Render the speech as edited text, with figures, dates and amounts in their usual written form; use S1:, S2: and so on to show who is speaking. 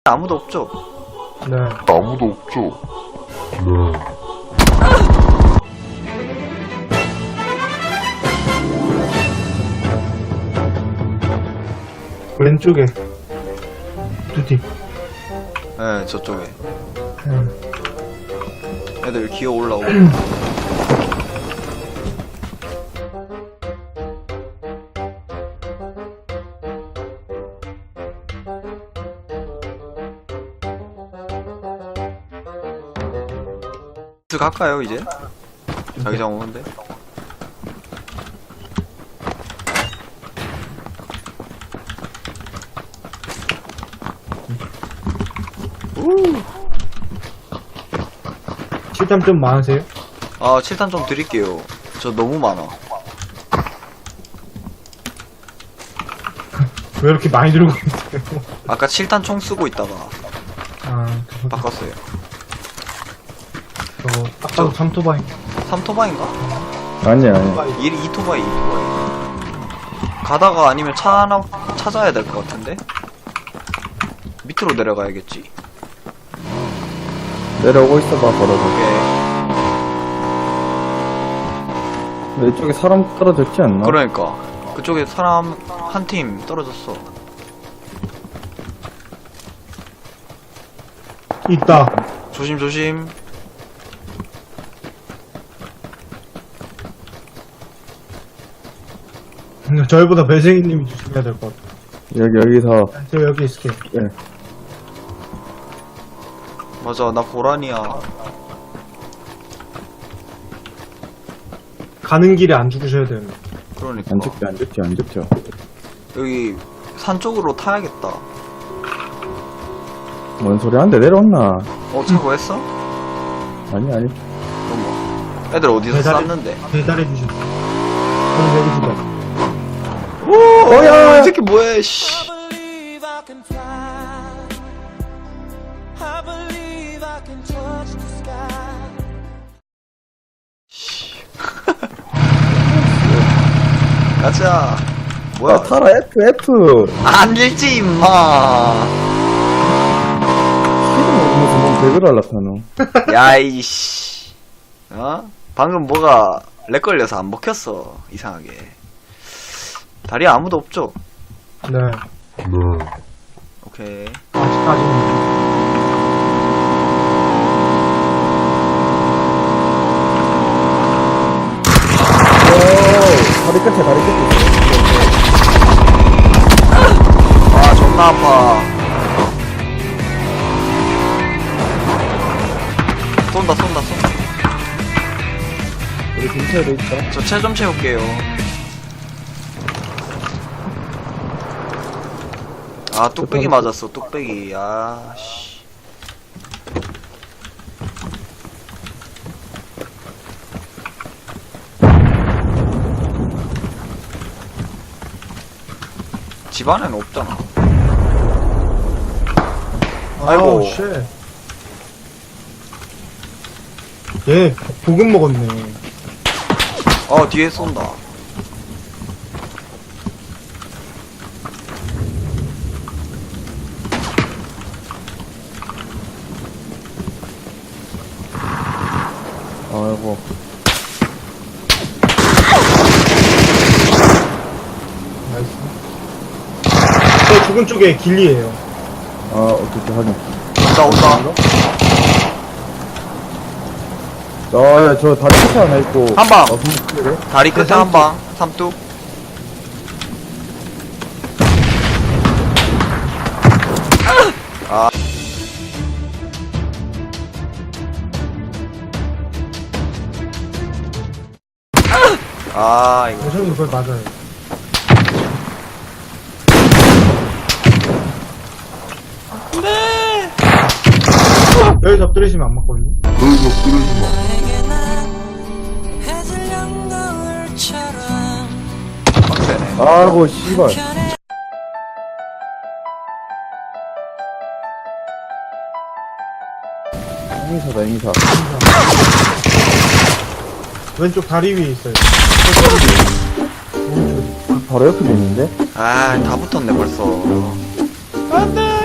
S1: 아무도 없죠?
S2: 네.
S3: 아무도 없죠?
S2: 왼쪽에 두 팀.
S1: 네, 저쪽에.
S2: 응.
S1: 애들 기어 올라오고. 갈까요, 이제? 자기장 오는데?
S2: 실탄 좀 많으세요?
S1: 아, 7탄 좀 드릴게요. 저 너무 많아.
S2: 왜 이렇게 많이 들고 있어요?
S1: 아까 7탄 총 쓰고 있다가
S2: 아,
S1: 바꿨어요.
S2: 저거 딱 봐도 삼토바이.
S1: 3토바인가?
S4: 아니야.
S1: 2토바이. 가다가 아니면 차 하나 찾아야 될 것 같은데? 밑으로 내려가야겠지.
S4: 내려오고 있어봐, 걸어서.
S1: 오케이.
S4: 근데 이쪽에 사람 떨어졌지 않나?
S1: 그러니까. 그쪽에 사람 한 팀 떨어졌어.
S2: 있다.
S1: 조심조심.
S2: 저희보다 배생이님이 조심해야 될 것 같아.
S4: 여기서.
S2: 저 여기 있을게.
S4: 예.
S1: 맞아, 나 고란이야.
S2: 가는 길에 안 죽으셔야 되는.
S1: 그러니까.
S4: 안 죽죠.
S1: 여기 산 쪽으로 타야겠다.
S4: 뭔 소리 하는데 내려왔나?
S1: 차 구했어?
S4: 아니.
S1: 어머. 애들 어디서 쌌는데?
S2: 배달해 주셨어. 저는 여기 주다.
S1: 오, 야, 이 새끼 뭐해, 씨. 가자. 뭐야?
S4: 야, 타라, F.
S1: 안 읽지, 임마.
S4: 무슨 뭔 배그를 할라카노.
S1: 야, 이씨. 방금 뭐가 렉 걸려서 안 먹혔어. 이상하게. 다리에 아무도 없죠?
S2: 네.
S1: 오케이.
S2: 아직까지는.
S4: 다리 끝에.
S1: 아, 존나 아파. 쏜다.
S4: 우리 근처에도 있다.
S1: 저 체 좀 채울게요. 아, 뚝배기 맞았어, 뚝배기. 아, 씨. 집 안에는 없잖아. 아이고.
S2: 쉣. 얘, 보급 먹었네.
S1: 뒤에 쏜다.
S4: 아이고.
S2: 나이스. 저 죽은 쪽에 길리에요.
S4: 어떻게 하냐.
S1: 온다.
S4: 저 다리 끝에 하나 있고.
S1: 한 방.
S4: 그래?
S1: 다리 끝에 한 방. 삼뚝. 아. 아, 이거.
S2: 저는 그걸 맞아요.
S1: 네.
S2: 여기 엎드리시면 안 맞거든요.
S1: 빡세네.
S4: 아이고, 씨발. 행사다.
S2: 왼쪽 다리 위에 있어요.
S4: 바로 옆에 있는데?
S1: 아, 다 붙었네, 벌써. 안 돼!